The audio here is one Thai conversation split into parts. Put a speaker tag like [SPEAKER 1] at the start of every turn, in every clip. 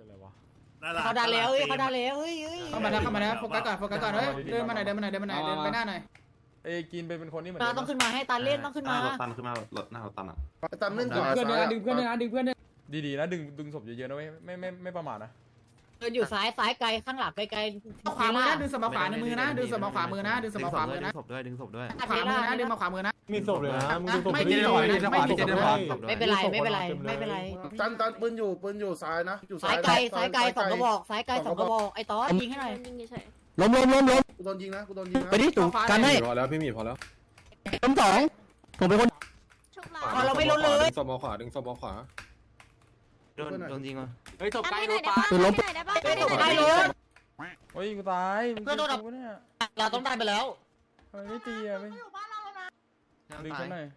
[SPEAKER 1] อะไรวะ
[SPEAKER 2] เขาดันแล้วเขาดันแล้ว
[SPEAKER 3] เข้ามาแล้วโฟกัสก่อนเฮ้ยเดินมาไหนเดินไปหน้าหน่อย
[SPEAKER 1] เอ้กินเป็นคนนี่เหมือน
[SPEAKER 2] ต้องขึ้นมาให้ตันเล่นต้องขึ้นมา
[SPEAKER 4] ตันขึ้นมารถหน้าเราตันอ่ะ
[SPEAKER 5] ตันเล่นก่อน
[SPEAKER 3] เพื่อนดึงเพื่อนดึงเพื่อน
[SPEAKER 1] ดีๆนะดึงศพเยอะๆนะไม่ประมาทนะ
[SPEAKER 2] เดินอยู่ซ้ายไกลข้างหลังไกล
[SPEAKER 3] ขวามือนะดึงสมองขวาในมือนะดึงสมองขวามือนะดึงสมองขวามือนะ
[SPEAKER 4] ดึงศพด้วยดึงศพด้วย
[SPEAKER 3] ขวามือนะดึงมาขวามือนะ
[SPEAKER 6] มีศพเลยนะมึงดูศพ
[SPEAKER 3] ไม่กินหน่อยไม่กินหน่อย
[SPEAKER 2] ไม่เป็นไร
[SPEAKER 5] ตันปืนอยู่ซ้ายนะอยู่
[SPEAKER 2] ซ้ายไกล2 กระบอกซ้ายไกล2 กระบอกไอ้ต๊อดยิงให้หน่อย
[SPEAKER 7] ล้ม
[SPEAKER 5] กูโดนยิงนะ
[SPEAKER 7] ไปดิตู่กันให้
[SPEAKER 6] พอแล้วพี่หมีพอแล้ว
[SPEAKER 7] ล้มสองผมเป็นคน
[SPEAKER 2] เราไม่ล้นเลย
[SPEAKER 6] ดึงศพมาขวาดึงศพมาขวา
[SPEAKER 4] โดนยิงอ่ะ
[SPEAKER 8] เฮ้ยศพใกล้รถปะ
[SPEAKER 7] คือล้ม
[SPEAKER 2] ใกล้รถ
[SPEAKER 1] โอ้ยกูตายเพื่อนโดนดับเนี่ย
[SPEAKER 2] เราต้องได้ไปแล้ว
[SPEAKER 1] ทำไมไม่ตีอ่ะไม่ดึงฉันหน่อย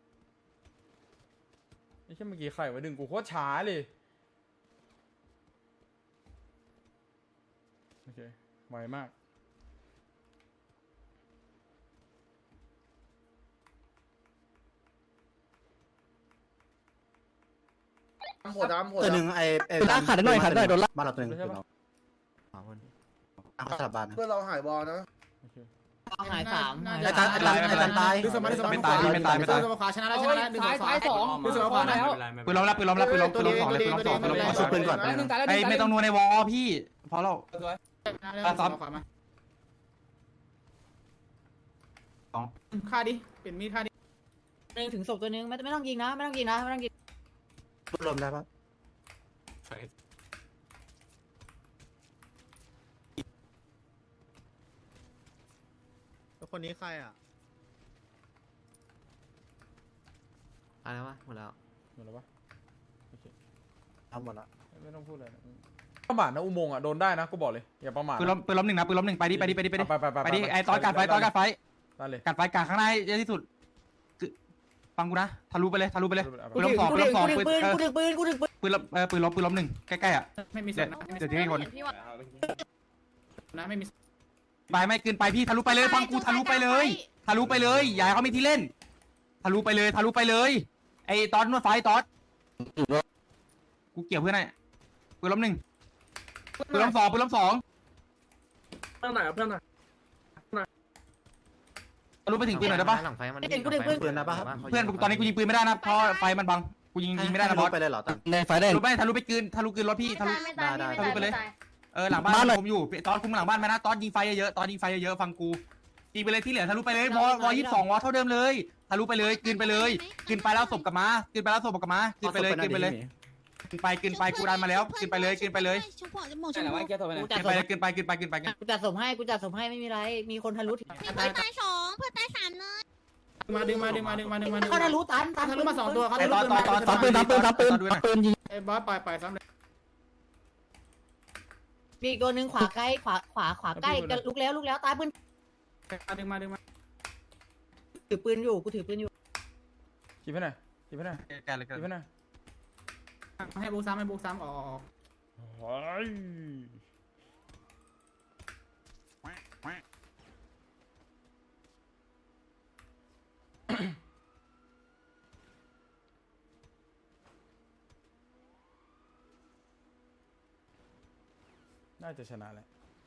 [SPEAKER 1] ไอ้เช่นเมื่อกี้ไข่มาดึงกูโคตรช้าเลยโอเคไวมาก
[SPEAKER 5] หัวดำ
[SPEAKER 7] ตัวหนึ่งไอ้ลากขาดหน่อยโดนลาก
[SPEAKER 4] บ้านเราตัวนึงคือเราสามคนเขาสลับบ้าน
[SPEAKER 5] เพื่อนเราหายบอลนะ
[SPEAKER 1] โอเค
[SPEAKER 2] หาย3
[SPEAKER 7] ไอ้ตันตาย
[SPEAKER 3] ดึงสมองไม่ตายดึงสมองขวาชนะแล้วดึงซ้าย2ดึงสมองขวาแล้ว
[SPEAKER 4] ปืนล้มแล้วปืนล้มแล้วปืนล้มปืนล้มสองเลยปืนล้มสองปืนล้มสองปืนก่อนไอ้ไม่ต้องนัวในวอพี่พอเรา
[SPEAKER 3] ฆ่าดิเปลี่ยนมีดฆ่าดิ
[SPEAKER 2] ถึงศพตัวนึงไม่ต้องยิงนะไม่ต้องยิง
[SPEAKER 4] ปืนล้มได้ปะ
[SPEAKER 7] คนนี้ใครอ่ะ
[SPEAKER 4] อะไรวะหมดแล้ว
[SPEAKER 1] หมดแล้วปะโอเค
[SPEAKER 4] ทำหมดแล้ว
[SPEAKER 1] ไม่ต้องพูดเลยนะประมาทนะอุโมงค์อ่ะโดนได้นะกูบอกเลยอย่าประมาท
[SPEAKER 4] ปืนล้มหนึ่งนะปืนล้มหนึ่งไปดิไปดิไอ้ตอนการไฟ
[SPEAKER 1] ได้เลย
[SPEAKER 4] การไฟกลางข้างในเยอะที่สุดฟังกูนะทะลุไปเลยปืน
[SPEAKER 2] กู
[SPEAKER 4] ล้มสองปืนล้มสองปืน
[SPEAKER 2] กูถึงปืน
[SPEAKER 4] ปืนล้มหนึ่งใกล้ๆอ่ะ
[SPEAKER 3] ไม่มี
[SPEAKER 4] เดี๋ยวทิ้งให้คน
[SPEAKER 3] นะไม่มี
[SPEAKER 4] ไม่เกินไปพี่ทะลุไปเลยฟังกูทะลุไปเลยอย่าเขามีที่เล่นทะลุไปเลยไอ้ตอนนวดไฟตอนกูเกี่ยวเพื่อนไงปืนล้มหนึ่งปืนล้มสอง
[SPEAKER 8] เพื่อนไหนเพื่อนไหน
[SPEAKER 4] ทะลุไปถึงปืนหน่อยได้ปะ
[SPEAKER 2] หลังไฟมันกูถึงปืน
[SPEAKER 4] เพื่อนตอนนี้กูยิงปืนไม่ได้นะเพราะไฟมันบังกูยิงไม่ได้นะบอส
[SPEAKER 7] ไปเลยเหรอตันในไฟได้
[SPEAKER 4] ทะลุไปกลืนรถพี่ทะลุไปเลยหลังบ้านผมอยู่ตอนคุมหลังบ้านไหมนะตอนยิงไฟเยอะฟังกูยิงไปเลยที่เหลือทะลุไปเลยวอ22วอเท่าเดิมเลยทะลุไปเลยกลืนไปแล้วศพกลับมากลืนไปเลยกลืนไปกูดันมาแล้วกลืนไปเลย
[SPEAKER 2] กูจัดสมให้ไม่มีไรมีคนทะลุ
[SPEAKER 9] เพื่อนตาย2เพื่อนตาย3เลย
[SPEAKER 3] ดึงมา
[SPEAKER 2] เขาทะลุตัน
[SPEAKER 3] ทะลุมา2ตัวเขาทะลุ
[SPEAKER 7] ตอนปืนยิง
[SPEAKER 3] ไอ้บอสปล่อยซ้ำเลย
[SPEAKER 2] มีตัวนึงขวาใกล้ขวาใกล้ลุกแล้วตายปืน
[SPEAKER 3] ดึงมา
[SPEAKER 2] ถือปืนอยู่กูถือปืนอยู่
[SPEAKER 1] คิดให้หน่อยคิดให้หน่อย
[SPEAKER 3] ให้บุกซ้ำออก
[SPEAKER 1] โอ้ยน่าจะชนะแหละ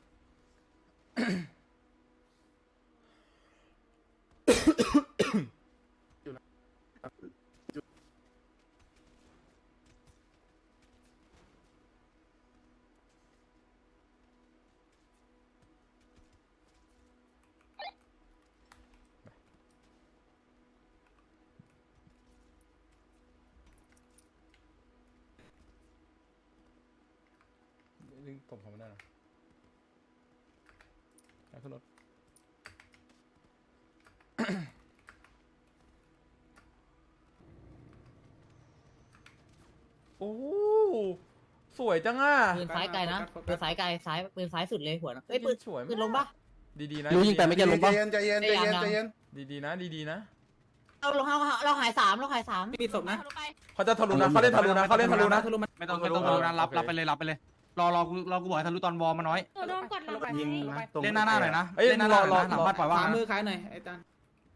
[SPEAKER 1] ดึงตบผมได้หรอแล้วขึ้นรถ โอ้สวยจังอ่ะ
[SPEAKER 2] ปืนซ้ายไกลนะปืนซ้ายไกลปืนซ้ายสุดเลยหัวเฮ้ยปืน
[SPEAKER 1] สวย
[SPEAKER 2] ปืนลงปะ
[SPEAKER 1] ดีๆนะ
[SPEAKER 7] รู้ยิงแต่ไม่จะลงป่ะ
[SPEAKER 5] ใจเย็น
[SPEAKER 1] ดีๆนะ
[SPEAKER 2] เราหาย3
[SPEAKER 3] มีศพนะ
[SPEAKER 1] เขาจะทะลุนะเขาเล่นทะลุนะ
[SPEAKER 4] ไม่ต้องทะลุนะรับไปเลยรอกูบอกให้ทะลุตอนวอมาน้อย
[SPEAKER 9] โดนกดหลัง
[SPEAKER 4] ยิงเล่นหน้าหน่อยนะ
[SPEAKER 1] เอ้ย
[SPEAKER 4] เล่นหน้าหน่อยนะหลังบ้านปล่อยว่า
[SPEAKER 3] ขวามือขายหน่อยไอ้ตัน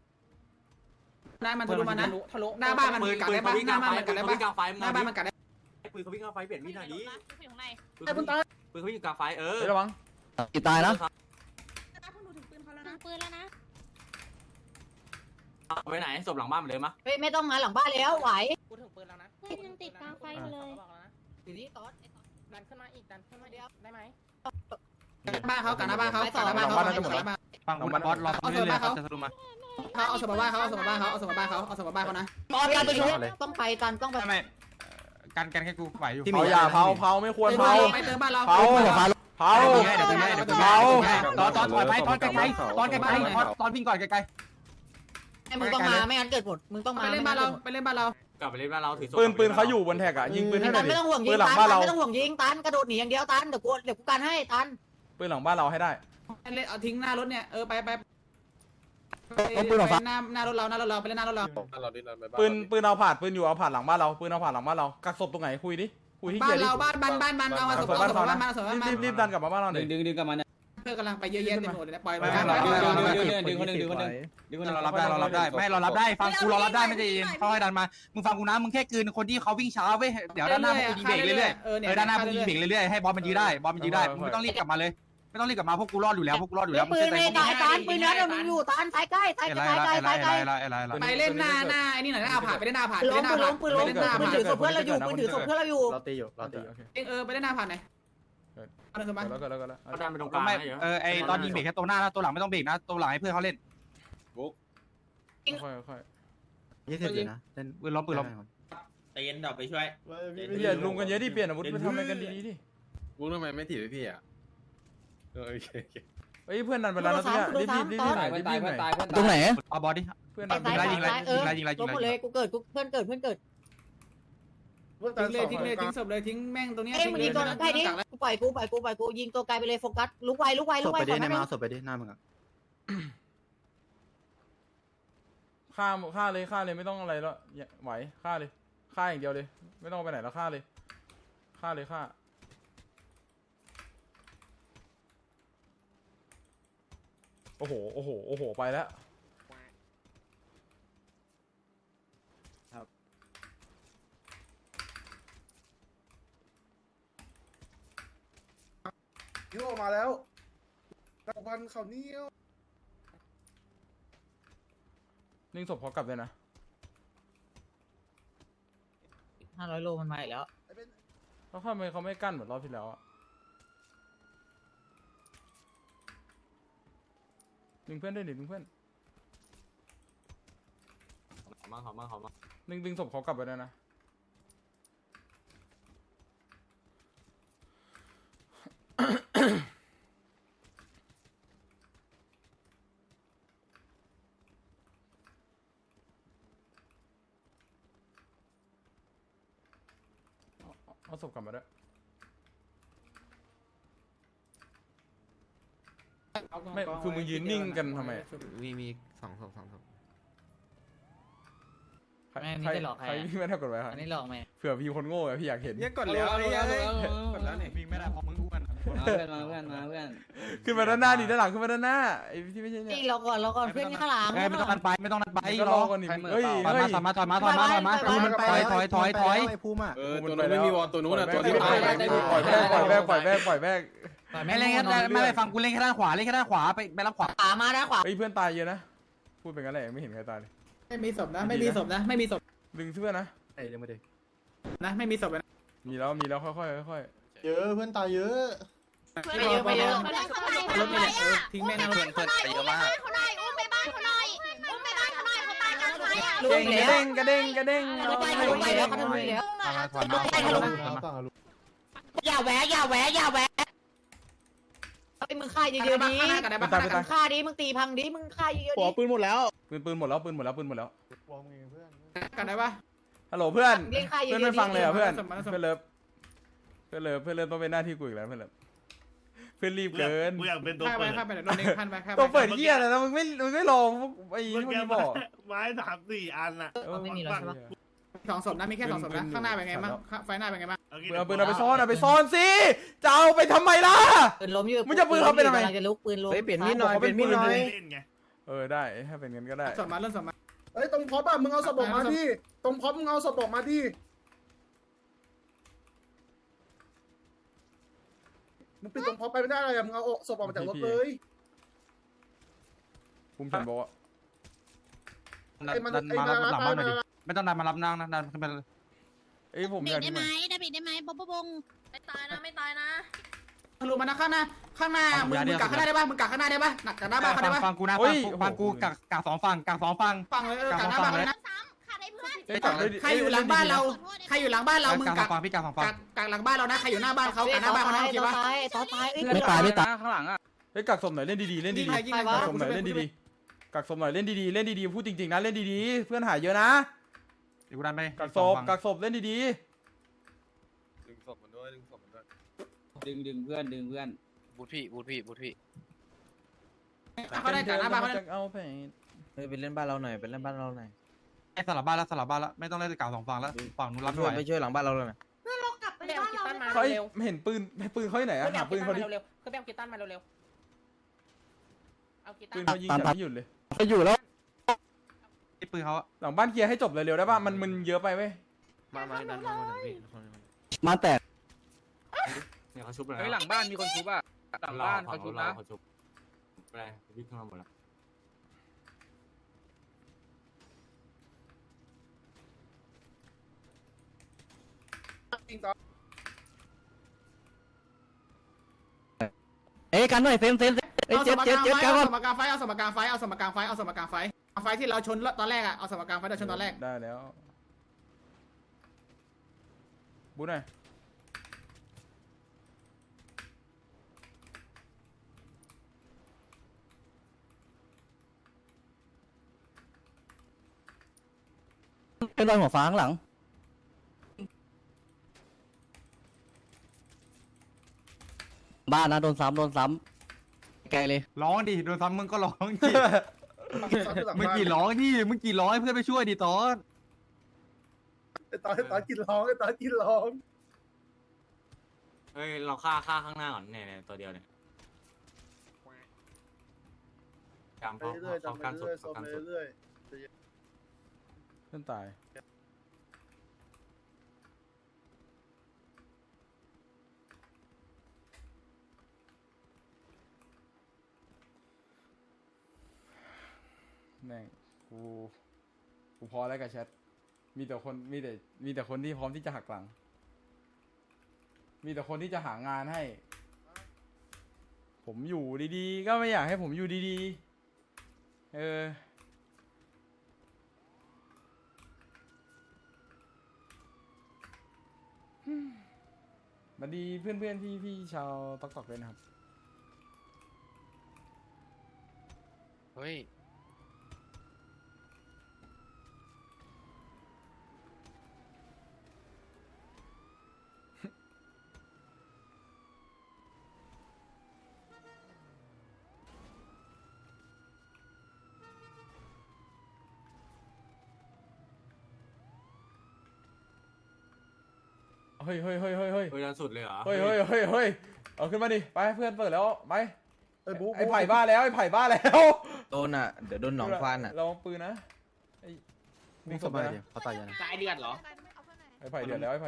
[SPEAKER 3] หน้ามันทะลุมานะหน้าบ้านมันกัดได้ปะหน้าบ้านมันกัดได้ปะหน้าบ้านมันกัดได้
[SPEAKER 8] ปืนเขาวิ่งเข้าไฟเปลี่ยนมีดหน่อยดิ
[SPEAKER 9] อยู่ข้างใน
[SPEAKER 8] ปืนเขาวิ่งอยู่กลางไฟ
[SPEAKER 1] เฮ้ยระวัง
[SPEAKER 7] กี่ตายนะ
[SPEAKER 9] ถึงปืนแล้วนะ
[SPEAKER 8] ไปไหนศพหลังบ้านเลยมะ
[SPEAKER 2] เฮ้ยไม่ต้องมาหลังบ้านแล้วไหว
[SPEAKER 3] กูถึงปืนแล้วนะ
[SPEAKER 9] เพื่อนยังติดกลางไฟอยู่เลย
[SPEAKER 2] อยู่นี่ตอน
[SPEAKER 3] ดันขึ้นมาอีกดันขึ้นมาเดียวได้ไหมบ้านเขากันหน้าบ้านเขา
[SPEAKER 2] ไปต่อ
[SPEAKER 3] กันหน้าบ้านเขา
[SPEAKER 4] ฟังคุณบอสรอฟังเรื่อยๆครับจะสรุปมา
[SPEAKER 3] เขาเอาสมบัติเขาเอาสมบัติเขาเอาสมบัติเขาเอาสมบัติเขานะ
[SPEAKER 2] ตอนการไปชุบต้องไปตันต้องไป
[SPEAKER 4] ไม่กันแค่กูไหวอยู่
[SPEAKER 1] เผาอย่าเผาไม่ควรเผา
[SPEAKER 3] ไปเติมบ้านเรา
[SPEAKER 1] เผาเผา
[SPEAKER 4] เดี๋ยวตอนถอยไปตอนไกลๆตอนไกลๆตอนวิ่งก่อนไกล
[SPEAKER 2] ให้มึงต้องมาไม่งั้นเกิดหมดมึงต้องมา
[SPEAKER 3] ไปเล่นบ้านเราไปเล่นบ้านเรา
[SPEAKER 8] กลับไปเล่นบ้านเราถือศพ
[SPEAKER 1] ปืนเขาอยู่บนแท็กอะยิงปืนให้หน่
[SPEAKER 2] ตั
[SPEAKER 1] อย
[SPEAKER 2] น
[SPEAKER 1] ดิ
[SPEAKER 2] ไม่ต้องห่วงยิ
[SPEAKER 1] ปื
[SPEAKER 2] ง
[SPEAKER 1] นหลัง
[SPEAKER 2] ตั
[SPEAKER 1] บ้าน
[SPEAKER 2] น
[SPEAKER 1] เรา
[SPEAKER 2] ไม่ต้องห่วงยิงตันกระโดดหนีอย่างเดียวตันเดี๋ยวกูกันให้ตัน
[SPEAKER 1] ปืนหลังบ้านเราให้ได้
[SPEAKER 3] เล่นเอาทิ้งหน้ารถเนี่ยไปหน้ารถเราไปเล่นหน้ารถเรา
[SPEAKER 6] เราดินไปบ้าน
[SPEAKER 1] ปืนเอาผ่านปืนอยู่เอาผ่านหลังบ้านเราปืนเอาผ่านหลังบ้านเรากักศพตรงไหนคุยดิคุยที่
[SPEAKER 3] บ้า
[SPEAKER 1] เกีย
[SPEAKER 3] น
[SPEAKER 1] ร์ดิ
[SPEAKER 3] เราบ้านเอามาสมบัติบ้านมาสมบัติบ้าน
[SPEAKER 1] รีบดันกลับมาบ้านเราหน่อย
[SPEAKER 7] ดึงกลับมาเนี่ย
[SPEAKER 3] เพื่อกำลังไปเยอะแยะเต็มหมดเลยนะปล่อย
[SPEAKER 7] ดึงคนหนึ่ง
[SPEAKER 4] เรารับได้ไม่เรารับได้ฟังกูเรารับได้ไม่ใจเย็นเขาให้ดันมามึงฟังกูนะมึงแค่คืนคนที่เขาวิ่งช้าเว้ยเดี๋ยวด้านหน้ามึงยิงเบรกเรื่อยๆด้านหน้ามึงยิงเบรกเรื่อยๆให้บอลมันยื้อได้มึงไม่ต้องรีบกลับมาเลยไม่ต้องรีบกลับมาพวกกูรอดอยู่แล้วมึง
[SPEAKER 2] ปืน
[SPEAKER 4] เชื่อใจ
[SPEAKER 2] ไม่ได้ตันปืนนั้นมึงอยู่ตันสายใกล้สายใกล้สายใกล้
[SPEAKER 3] ไปเล่นหน้าไอ้นี่หน่อยนะเอาผ่านไปเล่นหน้าผ่าน
[SPEAKER 2] ปืนล้มปืนล้มปืนถือศพเพื่อนเราอยู่ปืนถือศพเพื่อนเราอยู่
[SPEAKER 6] เราตีอยู่เราตี
[SPEAKER 3] ไปเล่นหน้าผ่านหน่อยเอาสมบัติ
[SPEAKER 1] แล้วก็
[SPEAKER 8] เขาดันไปตรงกลาง
[SPEAKER 4] ไม่
[SPEAKER 8] นะเยอะ
[SPEAKER 4] ไอตอนยิงเบรกแค่ตัวหน้านะตัวหลังไม่ต้องเบรกนะตัวหลังให้เพื่อนเขาเล่น
[SPEAKER 1] ค่อย
[SPEAKER 7] 20อยู่นะเล่น
[SPEAKER 4] ปืนล้ม
[SPEAKER 8] ตีนดับไปช่วย
[SPEAKER 1] ๆอย่าลุงกันเยอะดิเปลี่ยนอาวุธไปทำอะไรกันดีๆดิ
[SPEAKER 6] วุ้งทำไมไม่ถีบพี่อ่ะโอเค
[SPEAKER 1] เฮ้ยเพื่อนดันไปแล้วนะเนี่ยรีบหน่อยรีบหน่อย
[SPEAKER 7] ตรงไหน
[SPEAKER 4] เอาบอลดิ
[SPEAKER 1] เพื่อน
[SPEAKER 2] สา
[SPEAKER 1] ดั
[SPEAKER 2] ย
[SPEAKER 1] น
[SPEAKER 2] สาย
[SPEAKER 1] ไป
[SPEAKER 2] สายล้มหมดเลยกูเกิดกูเพื่อนเกิด
[SPEAKER 5] เพื่อน
[SPEAKER 3] ทิ้งเลยทิ้งศพเลยทิ้งแม่งตรงนี้
[SPEAKER 2] เอ้ยมึงยิงตัวใกล้ดิกูปล่อยกูยิงตัวไกลไปเลยโฟกัสลุกไว
[SPEAKER 7] ศพไปดิในมาศพไปดิหน้ามึงอ่ะ
[SPEAKER 1] ฆ่าเลยไม่ต้องอะไรแล้วไหวฆ่าเลยฆ่าอย่างเดียวเลยไม่ต้องไปไหนแล้วฆ่าเลยโอ้โหไปแล้ว
[SPEAKER 5] ยิ้วออกมาแล้วพันเขาเนี่ยว
[SPEAKER 1] นิ่งศพเขากลับเลยนะ
[SPEAKER 2] 500 โลมันมาอีกแล้ว
[SPEAKER 1] แล้วทำไมเขาไม่กั้นเหมือนรอบที่แล้วอะดึงเพื่อนด้วยดิดึงเพื่อน
[SPEAKER 8] เขามา
[SPEAKER 1] ดึงศพเขากลับไปด้วยนะเอาศพกลับมาด้วยไม่คือมึงยืนนิ่งกันทำไม
[SPEAKER 6] มีสองศพ
[SPEAKER 2] แม่นี่จะหลอกใคร
[SPEAKER 1] ใครวิ่งไม่ได้กดไว้ครับ
[SPEAKER 2] อันนี้หลอกไหม
[SPEAKER 1] เผื่อพี่คนโง่อะพี่อยากเห็น
[SPEAKER 4] กดแล้วกดแล้วนี่วิ่งไม่ได้เพราะมึงอ้วน
[SPEAKER 7] มาเพื่อน
[SPEAKER 1] ขึ้นมาด้านหน้าดิด้านหลังขึ้นมาด้านหน้าไอ้ที่ไม่ใช่เนี่ย
[SPEAKER 2] นี่เราก่อนเพื่อนข้างหลัง
[SPEAKER 4] ไม่ต้องนัดไป
[SPEAKER 1] รอก่อนดิเฮ้ย
[SPEAKER 4] ถอยมาถอยมา
[SPEAKER 7] ไอ้ภูมิอ่ะ
[SPEAKER 6] ตัวนู้นไม่มีวอลตัวนู้นอ่ะตัวที่ตาย
[SPEAKER 1] ปล่อยแบก
[SPEAKER 4] ไม่เล่นแค่ไม่ไปฟังกูเล่นแค่ด้านขวาไปรับขวา
[SPEAKER 2] ขวามาด้านขวา
[SPEAKER 1] เฮ้ยเพื่อนตายเยอะนะพูดเป็นงั้นแหละไม่เห็นใครตายเลย
[SPEAKER 3] ไม่มีศพนะไม่มีศพ
[SPEAKER 1] ดึงเพื่อนนะ
[SPEAKER 7] ไอ้เรื่องไม่ได้
[SPEAKER 3] นะไม่มีศพนะ
[SPEAKER 1] มีแล้วค่อย
[SPEAKER 7] เยอะเพื่อนตายเยอะ
[SPEAKER 2] ไม่เยอะ
[SPEAKER 3] รถนี่แหละทิ้งแม่งนะรถ
[SPEAKER 9] เขาหน่อยอุ้มไปบ้านเขาหน่อยอุ้มไปบ้านเขาหน่อยเขาตายกลางไฟอ่ะ
[SPEAKER 1] ๆกระเด้ง
[SPEAKER 2] ลุกไปแล้วเขาทำแล้ว
[SPEAKER 4] ถอยมา
[SPEAKER 2] อย่าแหวะไอ้มึงฆ่าเยอะๆดิ
[SPEAKER 3] กันได้
[SPEAKER 2] มึ
[SPEAKER 3] ปะ
[SPEAKER 2] งฆ่าดิมึงตีพังดิมึงฆ่าเยอะๆดิ
[SPEAKER 1] ปืนหมดแล้ว
[SPEAKER 3] กันได้ปะ
[SPEAKER 1] ฮัลโหลเพื่อน
[SPEAKER 2] เล่นฆ่าเย
[SPEAKER 1] เพื่อน
[SPEAKER 2] อะ
[SPEAKER 1] ไม่
[SPEAKER 2] ๆ
[SPEAKER 1] ฟังเลย
[SPEAKER 2] ดิ
[SPEAKER 1] อ่ะเพื่อนเลิฟต้องเป็นหน้าที่กูอีกแล้วเพื่อนรีบเกิน
[SPEAKER 10] กูอยากเป็นตัว
[SPEAKER 3] ข้าไป
[SPEAKER 10] เปิด
[SPEAKER 3] ข้าไปรถนี้ข้าไปข้าไป
[SPEAKER 1] ตัวเปิดเหี้ยอะไรนะมึงไม่รอไอ้ที่มึงบอก
[SPEAKER 10] ไม้3-4 อันน่ะ
[SPEAKER 2] ไม่มีแล้วใช่ปะ
[SPEAKER 3] 2 ศพนะมีแค่2 ศพนะข้างหน้าเป็นไงบ้างไฟหน้าเป็นไงบ้าง
[SPEAKER 1] เอาปืนเอาไปซ่อนสิจะเอาไปทำไมล่ะ
[SPEAKER 2] ปืนล้มอยู่
[SPEAKER 1] มึงจะปืนเขาเป็นทำไม
[SPEAKER 2] กำลังจะลุกปืนล้ม
[SPEAKER 7] เปลี่ยนมีดหน่อย
[SPEAKER 10] เล่นไง
[SPEAKER 1] ได้ถ้าเป็นงั้นก็ได้
[SPEAKER 3] ศพมาเริ่มศพมา
[SPEAKER 5] เฮ้ยตรงพร็อพอ่ะมึงเอาศพออกมาดิตรงพร็อพมึงเอาศพออกมาดิมึงปิดตรงพอไปไม่ได้เลยมึงเอาศพออกมาจากรถเลย
[SPEAKER 1] ภูมิฉันบอกว่า
[SPEAKER 4] ดันมาหลังบ้านหน่อยดิไม่ต้องดันมารับนางนะดันขึ้นไป
[SPEAKER 1] เอ้ยผม
[SPEAKER 9] ปิ
[SPEAKER 1] อ
[SPEAKER 9] ด
[SPEAKER 1] ยาก
[SPEAKER 9] ได้
[SPEAKER 1] ดู
[SPEAKER 9] ไหม
[SPEAKER 1] หน่อย
[SPEAKER 9] ได้ปิดได้ไหมบ๊อบบ๊ง
[SPEAKER 3] ไม่ตายนะไม่ตายนะ
[SPEAKER 2] ทะลุมานะข้างหน้ามึงกักข้างหน้าได้ปะมึงกักข้างหน้าได้ปะหนักจากหน้าบ้านเขาได้ปะ
[SPEAKER 4] ฟังกูนะฟังกูกัก2ฝั่งกัก2ฝั่ง
[SPEAKER 2] ฟังเลยกักหน้าบ้านเขาเลยนะ
[SPEAKER 9] ซ้ำขาดไอ้เพื่อน
[SPEAKER 1] เอ้ยกักด้วยดิ
[SPEAKER 2] ใครอยู่หลังบ้านเราใครอยู่หลังบ้านเรามึง
[SPEAKER 4] กั
[SPEAKER 2] กั
[SPEAKER 4] ก
[SPEAKER 2] ก
[SPEAKER 4] ฝั่งพี่กัก2ฝั่ง
[SPEAKER 2] กักหลังบ้านเรานะใครอยู่หน้าบ้านเขากักหน้าบ้านเขานะโอเคปะ
[SPEAKER 7] ไม่ตายไม่ตาย
[SPEAKER 1] ข้างหลังอ่ะเฮ้ยกักศพหน่อยเล่นดีๆเล่นดี
[SPEAKER 2] ยิงใคร
[SPEAKER 1] ๆกักศพหน่อยเล่นดีๆกักศพหน่อยเล่นดีๆเล่นดีๆพูดจริงๆนะเล่นดีๆเพื่อนหายเยอะนะ
[SPEAKER 4] เดี๋ยวกูดันไป
[SPEAKER 1] กักศพเล่นดี
[SPEAKER 6] ดึงศพมันด้วยดึงศพมันด้วย
[SPEAKER 8] ดึงเพื่อนดึงเพื่อน
[SPEAKER 6] บูทพี่บูทพี่บูทพี่
[SPEAKER 1] ๆ
[SPEAKER 2] เขาได้กักหน้าบ้านเขาได้
[SPEAKER 1] เอาไป
[SPEAKER 7] ไปเล่นบ้านเราหน่อยไปเล่นบ้านเราหน่อย
[SPEAKER 4] ไอ้สลับบ้านแล้วไม่ต้องเล่นกัก2ฝั่งแล้วฝั่งนู้นรับไม่ไหว
[SPEAKER 7] ไปช่วยหลังบ้านเราเลย
[SPEAKER 3] ไปเอากีตันมา
[SPEAKER 1] เขา
[SPEAKER 3] เร็ว
[SPEAKER 1] เห็นปืนเขาที่ไหน
[SPEAKER 3] ๆ
[SPEAKER 1] อะหาปืนเขาดิ
[SPEAKER 3] เร็วๆคือไปเอากีตันมาเร็วๆเอากีตั
[SPEAKER 1] ปื
[SPEAKER 3] น
[SPEAKER 1] นเขายิงแต่ไม่หยุดเลย
[SPEAKER 7] ไปอยู่แล้ว
[SPEAKER 4] ไอ้ปืนเขา
[SPEAKER 1] หลังบ้านเคลียร์ให้จบเร็วๆได้ป่ะมันเยอะไปเว้ย
[SPEAKER 6] มาดันมาพี่
[SPEAKER 7] มาแตก
[SPEAKER 8] เนี่ยเขาชุบแล้ว
[SPEAKER 10] เฮ้ยหลังบ้านมีคนชุบอ่ะหลังบ้านเขาชุบนะ
[SPEAKER 8] เขาชุบอะไรวิ่งเข้ามาหมดแล้ว
[SPEAKER 7] เอ้กันหน่อยเฟมเอ้ย
[SPEAKER 2] เอาส
[SPEAKER 7] เจ็บ
[SPEAKER 2] ม
[SPEAKER 7] เจ็
[SPEAKER 2] กา
[SPEAKER 7] บ
[SPEAKER 2] ร
[SPEAKER 7] เจ็บ
[SPEAKER 2] ไฟ
[SPEAKER 7] กันก่อน
[SPEAKER 2] เอาสมการไฟไฟที่เราชนตอนแรกอะเอาสมการไฟเราชนตอนแรก
[SPEAKER 1] ได้แล้วบูหน่อย
[SPEAKER 7] เป็นรอยหัวฟ้าข้างหลังบ้านนะโดนซ้ำไกลเลย
[SPEAKER 4] ร้องดิโดนซ้ำมึงก็ร้องดิมึงกี่ร้องดิมึงกี่ร้องให้เพื่อนไปช่วยดิตอน
[SPEAKER 5] ตอนกินร้องตอนกินร้อง
[SPEAKER 8] เฮ้ยเราฆ่าข้างหน้าก่อนเนี่ยตัวเดียวเนี่ยจำ
[SPEAKER 5] ไป
[SPEAKER 8] เขา
[SPEAKER 5] เรื่อยๆ
[SPEAKER 8] เขา
[SPEAKER 5] จำไป
[SPEAKER 8] การสุด
[SPEAKER 5] เรื่อยๆ
[SPEAKER 8] เขาการ
[SPEAKER 5] ไป
[SPEAKER 8] สุด
[SPEAKER 5] เรื่อย
[SPEAKER 1] เพื่อนตายแม่งกูพอแล้วกับแชทมีแต่คนที่พร้อมที่จะหักหลัง มีแต่คนที่จะหางานให้ ผมอยู่ดีๆก็ไม่อยากให้ผมอยู่ดีๆมาดีเพื่อนๆพี่ชาวตอกเลยนะครับ
[SPEAKER 6] เฮ้ย
[SPEAKER 1] เฮ้ย
[SPEAKER 8] เฮ้ยดันสุดเลยเหรอ
[SPEAKER 1] เฮ้ยเอาขึ้นมาดิไปเพื่อนเปิดแล้วไป
[SPEAKER 5] ๆไอ้บุ๊ก
[SPEAKER 1] ไอ้ไผ่บ้าแล้ว
[SPEAKER 7] โดนอ่ะเดี๋ยวโดนหนองฟันอ่ะ
[SPEAKER 1] ลองปืนนะไอ้
[SPEAKER 7] มึงสบายดิเขาตายยัง
[SPEAKER 3] ตายเดือดเหรอ
[SPEAKER 1] ไอ้ไผ่เดือดแล้ว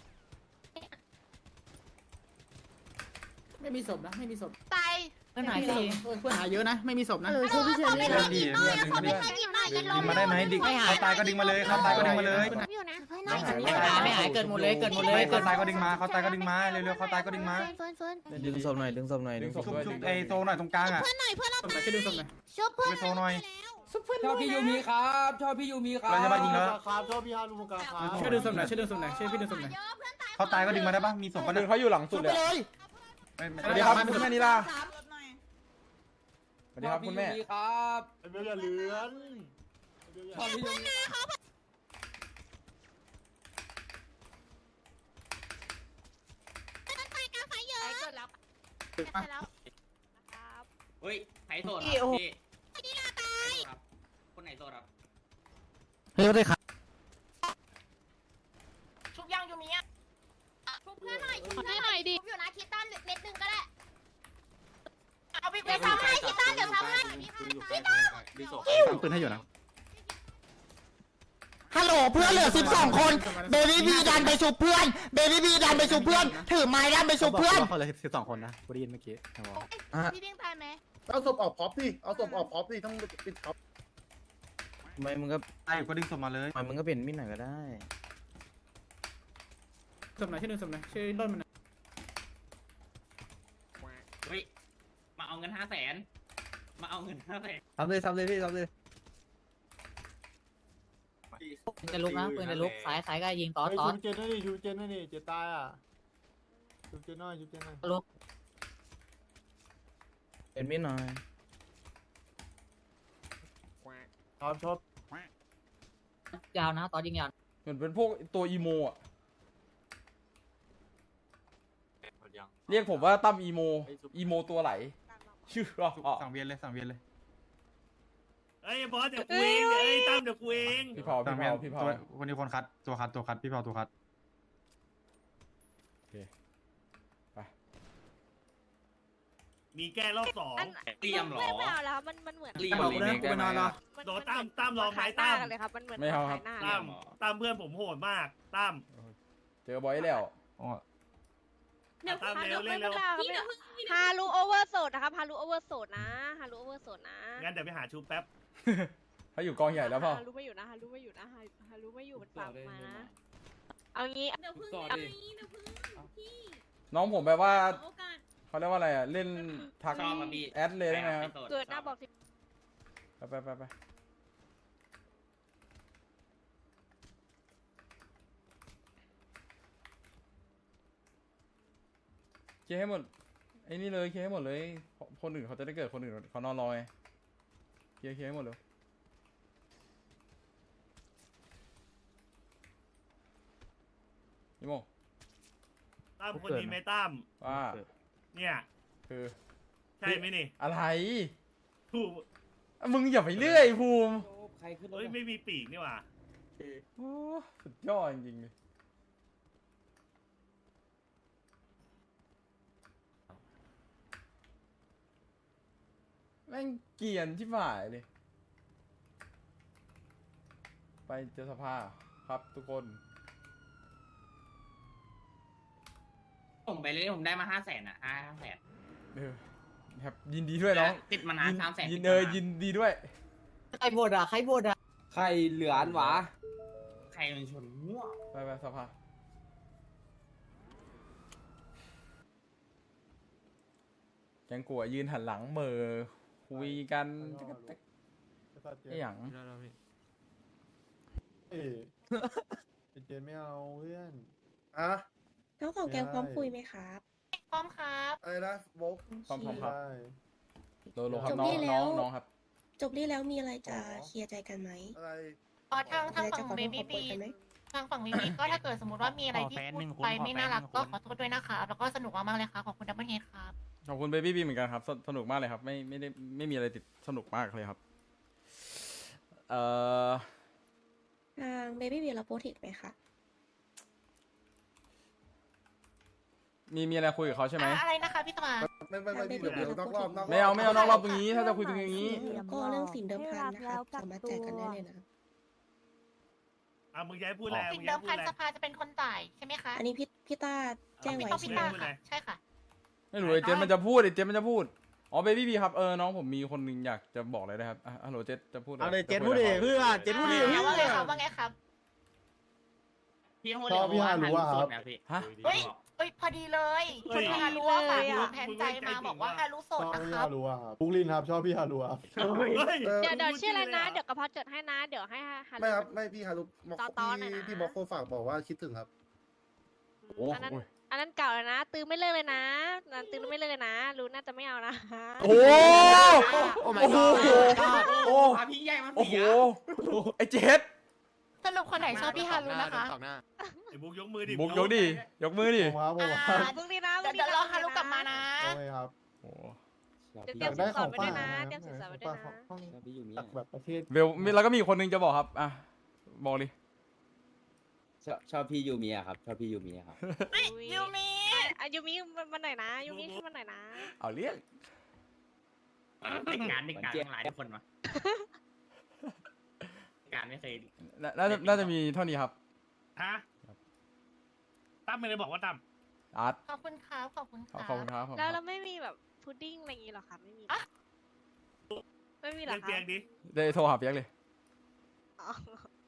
[SPEAKER 2] ไม่มีศพนะไม่มีศพ
[SPEAKER 9] ตาย
[SPEAKER 2] เพื่อนหายเยอะนะไม่มีศพนะ
[SPEAKER 9] ช่วยพี่เชอรี่
[SPEAKER 4] เพื่อนดิเพื่อนดึงมาดิ
[SPEAKER 9] หยิบหน่อยจะล
[SPEAKER 4] ดึ
[SPEAKER 9] ง
[SPEAKER 4] งมาได้ไหมดึงเขาตายก็ดึงมาเลยเขาตายก็ดึงมาเลย
[SPEAKER 9] อยู่นะ
[SPEAKER 2] ไม่หายเกิดหมดเลยเกิด
[SPEAKER 4] เขาตายก็ดึงมาเขาตายก็ดึงมาเร็วๆเขาตายก็ดึงมา
[SPEAKER 7] ดึงศพหน่อยดึงศพหน่อย
[SPEAKER 4] ชุบไอ้โซหน่อยตรงกลางอ่ะ
[SPEAKER 9] เพื่อนหน่อยเพื่อนเรา
[SPEAKER 2] ช่วยดึงศพหน่อย
[SPEAKER 9] ชุบเพื่อน
[SPEAKER 4] ไปโซหน่อย
[SPEAKER 8] ชอบพี่ยูมีครับชอบพี่ยูมีครับ
[SPEAKER 4] เราจะมายิงแล้ว
[SPEAKER 7] ครับชอบพี่ฮารุมุกาครับ
[SPEAKER 2] ช่วยดึงศพหน่อยช่วยพี่ดึงศพหน่อย
[SPEAKER 4] เขาตายก็ดึงมาได้ปะมีศพ
[SPEAKER 1] ค
[SPEAKER 4] ปะ
[SPEAKER 1] น
[SPEAKER 4] เนี่
[SPEAKER 1] นึ
[SPEAKER 4] ย
[SPEAKER 1] งเขาอยู่หลังสุดเลย สวัสดีครับคุณแม่นิลาสวัสดีครับคุณแม่
[SPEAKER 8] ครับ
[SPEAKER 7] เบลอย่าเลือน
[SPEAKER 8] ชอบพี่ยูมี
[SPEAKER 9] ไปกาไฟเยอะเกิดแล้ว
[SPEAKER 8] เฮ้ยไผ่โสดครับพี่นี่ลาตายคนไหนโสดครับ
[SPEAKER 7] เฮ้ยเขาได้ขา
[SPEAKER 3] ชุบย่างยูมีอ่ะ
[SPEAKER 9] ชุบเพื่อนหน่อยชุบเพื่อนหน่อยดิอยู่นะคิดตั้นเม็ดนึงก็ได้
[SPEAKER 3] เอาพี่
[SPEAKER 9] เดี๋ยวซ้ำให้คิดตั้นเดี๋ยวซ้ำให้
[SPEAKER 8] อยู่ใกล้ดีโสด
[SPEAKER 7] ปืนให้อยู่นะ
[SPEAKER 2] ฮัลโหลโหลเพื่อนเหลือ12คนเบบี้บีดันไปชุบเพื่อนเบบี้บีดันไปชุบเพื่อนถือไม้ดันไปชุบเพื่อน
[SPEAKER 7] เขาเลย12 คนนะกูได้ยินเมื่อกี้
[SPEAKER 9] พี่ดิ้งตายไหม
[SPEAKER 5] เอาศพออกพร็อพดิเอาศพออกพร็อพดิต้องปิดพร็อพ
[SPEAKER 7] ทำไมมึงก็
[SPEAKER 4] ไอ้ก็ดึงศพมาเลย
[SPEAKER 7] มึงก็เปลี่ยนมิดหน่อยก็ได้
[SPEAKER 3] สมไหนชื่อหนึ่งสมไหนชื่อต้นมัน
[SPEAKER 8] เฮ้ยมาเอาเงิน500,000มาเอาเงิน500,000
[SPEAKER 7] ทำเลยพี่ทำเลย
[SPEAKER 2] จะลุกนะปืนจะลุกสายก็ยิงต่อ
[SPEAKER 5] ชูเจนนั่นดิชูเจนนั่นดิเจตายอ่ะชูเจนน้อยชูเจนน้อย
[SPEAKER 2] ลุก
[SPEAKER 7] เปลี่ยนมิดหน่อย
[SPEAKER 5] ชอบชอบ
[SPEAKER 2] ยาวนะต่อยิงยาว
[SPEAKER 1] เหมือนเป็นพวกตัวอีโมอ่ะเรียกผมว่าตั้มอีโมตัวไหลชื่ออ๋อ
[SPEAKER 4] สั่งเวียนเลยสั่งเวียนเลย
[SPEAKER 10] เอ้ยบอสเดี๋ยวกูเองเอ้ยตั้มเดี๋ยวกูเอง
[SPEAKER 1] พี่เผา
[SPEAKER 4] สั่ง
[SPEAKER 1] พี่
[SPEAKER 4] เวียน
[SPEAKER 1] เผา
[SPEAKER 4] วันนี้คนคัดตัวคัดพี่เผาตัวคัด
[SPEAKER 10] มีแก้รอบ2
[SPEAKER 8] เตรียมหรอ
[SPEAKER 9] ไม่เอาแล้วมันเหมือน
[SPEAKER 8] เตรียมรีเมคได้ไหม
[SPEAKER 10] โดนตั้มลองไหมตั้ม
[SPEAKER 9] เลยครับมันเหมือน
[SPEAKER 1] ไม่เอาครับ
[SPEAKER 10] ตั้มเพื่อนผมโหดมากตั้ม
[SPEAKER 1] เจอบอยแล้ว
[SPEAKER 4] อ๋อ
[SPEAKER 10] ตั้มเร็วเร็ว
[SPEAKER 9] ฮารูโอเวอร์โซดนะครับฮารูโอเวอร์โซดนะฮารูโอเวอร์โซดนะ
[SPEAKER 10] งั้นเดี๋ยวไปหาชูแป๊บ
[SPEAKER 1] เขาอยู่กองใหญ่แล้วเปล่า
[SPEAKER 9] ฮารูไม่อยู่นะฮารูไม่อยู่นะฮารูไม่อยู่มันฝากมานะเอางี้เดี๋ยวพึ่ง
[SPEAKER 1] น้องผมแบบว่าเขาเรียกว่าอะไรอ่ะเล่นทัก
[SPEAKER 8] ชอบมาพี่
[SPEAKER 1] แอดเลยได้ไหมครับ
[SPEAKER 9] เกิดหน้าบอกสิ
[SPEAKER 1] ไปเคลียร์ให้หมดไอ้นี่เลยเคลียร์ให้หมดเลยคนอื่นเขาจะได้เกิดคนอื่นเขานอนรอไงเคลียร์ให้หมดเลยนี่โม
[SPEAKER 10] ตั้มคนนี้ไหมตั้ม
[SPEAKER 1] ว่า
[SPEAKER 10] เนี่ย
[SPEAKER 1] คือ
[SPEAKER 10] ใช่ไหมนี่
[SPEAKER 1] อะไร
[SPEAKER 10] ถูก
[SPEAKER 1] มึงอย่าไปเรื่อยภูมิ
[SPEAKER 10] เฮ้ยไม่มีปีกนี่หว่า
[SPEAKER 1] โอ้สุดยอดจริงๆเลยแม่งเกรียนที่หมายเลย ไปเจอสภาครับทุกคน
[SPEAKER 8] ผมไปเลยผมได้มา500,000อ่ะ500,000
[SPEAKER 1] เออครับยินดีด้วยน้อง
[SPEAKER 8] ติดมานาน300,000
[SPEAKER 1] ยินดีด้วย
[SPEAKER 2] ใครบดอ่ะใครบดอ่ะ
[SPEAKER 7] ใครเหลืออันหวะ
[SPEAKER 8] ใครมันชนมั่ว
[SPEAKER 1] ไปสภาแกงกัวยืนหันหลังเหม่อคุยกันไอ้หยัง
[SPEAKER 5] เอ้เจนไม่เอาเพื่อนอ่ะ
[SPEAKER 9] แล้วของแกพร้อมคุยไหมครับพร้อมครับ
[SPEAKER 5] อะไรนะโบก
[SPEAKER 1] พร้อมครับ
[SPEAKER 5] ใช่
[SPEAKER 1] โลครับน้องครับ
[SPEAKER 9] จบนี่แล้วมีอะไรจะเคลียร์ใจกันไหม
[SPEAKER 5] อะไร
[SPEAKER 9] ทางฝั่งเบบี้บีทางฝั่งเบบี้ก็ถ้าเกิดสมมติว่ามีอะไรที่พูดไปไม่น่ารักก็ขอโทษด้วยนะคะแล้วก็สนุกมากๆเลยค่ะขอบคุณดับเบิลเฮดครับ
[SPEAKER 1] ขอบคุณเบบี้บีเหมือนกันครับสนุกมากเลยครับไม่มีอะไรติดสนุกมากเลยครับ
[SPEAKER 9] ทางเบบี้บีเราโปรติกไหมคะ
[SPEAKER 1] มีอะไรคุยกับเขาใช่ไหม
[SPEAKER 9] อะไรนะคะพี่ตมา
[SPEAKER 5] ไม่พี่เดี๋ยวนอกรอบนอกรอบ
[SPEAKER 1] ไม่เอานอกรอบตรงนี้ถ้าจะคุยตรงนี้
[SPEAKER 9] แล้วก็เรื่องสินเดิมพันนะคะสามารถจ่ายกันได้เลยนะ
[SPEAKER 10] อ่ะมึงย้ายพูดแล้ว
[SPEAKER 9] สินเดิมพันสภาจะเป็นคนจ่ายใช่ไหมคะอันนี้พี่ต้าแจ้งไว้ใช่ไหมคะใช่ค่ะ
[SPEAKER 1] ไม่รู้ไอ้เจมันจะพูดอ๋อเบบี้บีครับน้องผมมีคนหนึงอยากจะบอกอะไรนะครับฮัลโหลเจจะพูด
[SPEAKER 7] เอาเลยเจนพูดดิเพื่อนเจนพูดดิ
[SPEAKER 9] ว่าไงครับว่าไงครับ
[SPEAKER 8] พี่ต้องเรียกว่าฮารุสดนะพี่
[SPEAKER 1] ฮะ
[SPEAKER 9] เฮ้ยพอดีเลยคุณฮารุฝากแทนใจมาบอกว่าฮารุโสดนะครับ
[SPEAKER 5] บุกลินครับชอบพี่ฮารุครับ
[SPEAKER 9] เดี๋ยวชื่ออะไรนะเดี๋ยวกระเพาะจดให้นะเดี๋ยวให้ฮารุ
[SPEAKER 5] ไม่ครับไม่พี่ฮารุ
[SPEAKER 9] ตอนๆหน่อยนะ
[SPEAKER 5] พี่มอคโคฝากบอกว่าคิดถึงครับ
[SPEAKER 9] อันนั้นเก่าแล้วนะตื้อไม่เลิกเลยนะตื้อไม่เลิกเลยนะรู้น่าจะไม่เอานะ
[SPEAKER 1] โอ้โหโอ้
[SPEAKER 8] พาพี่ใหญ่มา
[SPEAKER 1] โอ้
[SPEAKER 8] เสี
[SPEAKER 1] โห
[SPEAKER 8] ย
[SPEAKER 1] ไอ้เจส
[SPEAKER 9] สรุปคนไหนชอบพี่ฮารุนะคะ
[SPEAKER 10] ไอ้บุ๊กยกมือดิ
[SPEAKER 1] บุกยกดิยกมือดิ
[SPEAKER 9] พรุ่งนี้นะเดี๋ยวรอฮารุกลับมานะ
[SPEAKER 5] ครับ
[SPEAKER 1] โอ้
[SPEAKER 9] เดี๋ยวเตรียมสินสอดไว้ด้วยนะเตรียมสินสอดไว้ด้วยนะ
[SPEAKER 5] จากแบบประเทศ
[SPEAKER 1] เบลแล้วก็มีคนหนึงจะบอกครับอ่ะบอกดิ
[SPEAKER 7] ชอบพี่ยูเมียครับชอบพี่ยูเมียครับ
[SPEAKER 9] ยูมิยูมิมันไหนนะยูมิขึ้นมันไหนนะ
[SPEAKER 1] เอาเรียก
[SPEAKER 8] เด็กงานทั้งหลายทุกคนมาการไม่เคย
[SPEAKER 1] น่าจะมีเท่านี้ครับ
[SPEAKER 10] ฮะตั้มไม่ได้บอกว่าตั้ม
[SPEAKER 1] อาร์ต
[SPEAKER 9] ขอบคุณครับขอบคุณค
[SPEAKER 1] ข
[SPEAKER 9] รั
[SPEAKER 1] อบคุณครับผม
[SPEAKER 2] แล้วเราไม่มีแบบพุดดิ้งอะไรอย่างงี้หรอคะไม่มีไม่มีหรอ
[SPEAKER 10] เรียก
[SPEAKER 2] คะ
[SPEAKER 10] เตียงดิ
[SPEAKER 1] ได้โทรหาเปียกเลย
[SPEAKER 2] อ๋อ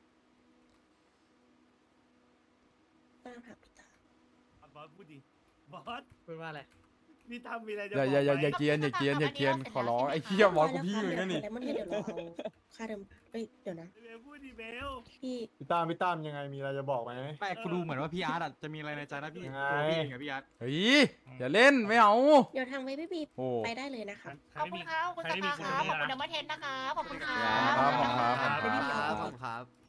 [SPEAKER 10] บอสพูดดิบอส
[SPEAKER 3] พูดว่าอะไร
[SPEAKER 10] นี่ตั้มมีอะไรจะ
[SPEAKER 1] อย่า
[SPEAKER 10] บอก
[SPEAKER 1] อย่า
[SPEAKER 10] ไหม
[SPEAKER 1] เกรียนอย่าเกรียนอย่าเกรียนขอร้องไอ้เหี้ยบอสกูพี่เหมือนกันนี่
[SPEAKER 11] แล้วมันเดี๋ยวเราเอาค่าเดิมเดี๋ยวนะ
[SPEAKER 10] เบลพูดดิเบล
[SPEAKER 11] พี่
[SPEAKER 5] พี่ตั้มยังไงมีอะไรจะบอกไหม
[SPEAKER 4] แต่กูดูเหมือนว่าพี่อาร์ตจะมีอะไรในใจนะพี่
[SPEAKER 5] ยังไง
[SPEAKER 4] ตัวพี่เองกับพี่อาร์ต
[SPEAKER 1] เฮ้ยอย่าเล่นไม่เอา
[SPEAKER 11] เดี๋ยวทางเวบี้บี
[SPEAKER 1] โอ้
[SPEAKER 11] ไปได้เลยนะคะ
[SPEAKER 9] ขอบคุณครับขอบคุณสภาครับขอบคุณดับเบิลเทนนะคะขอบคุณครั
[SPEAKER 1] ครับ บขอบคุณครับ
[SPEAKER 7] ครับ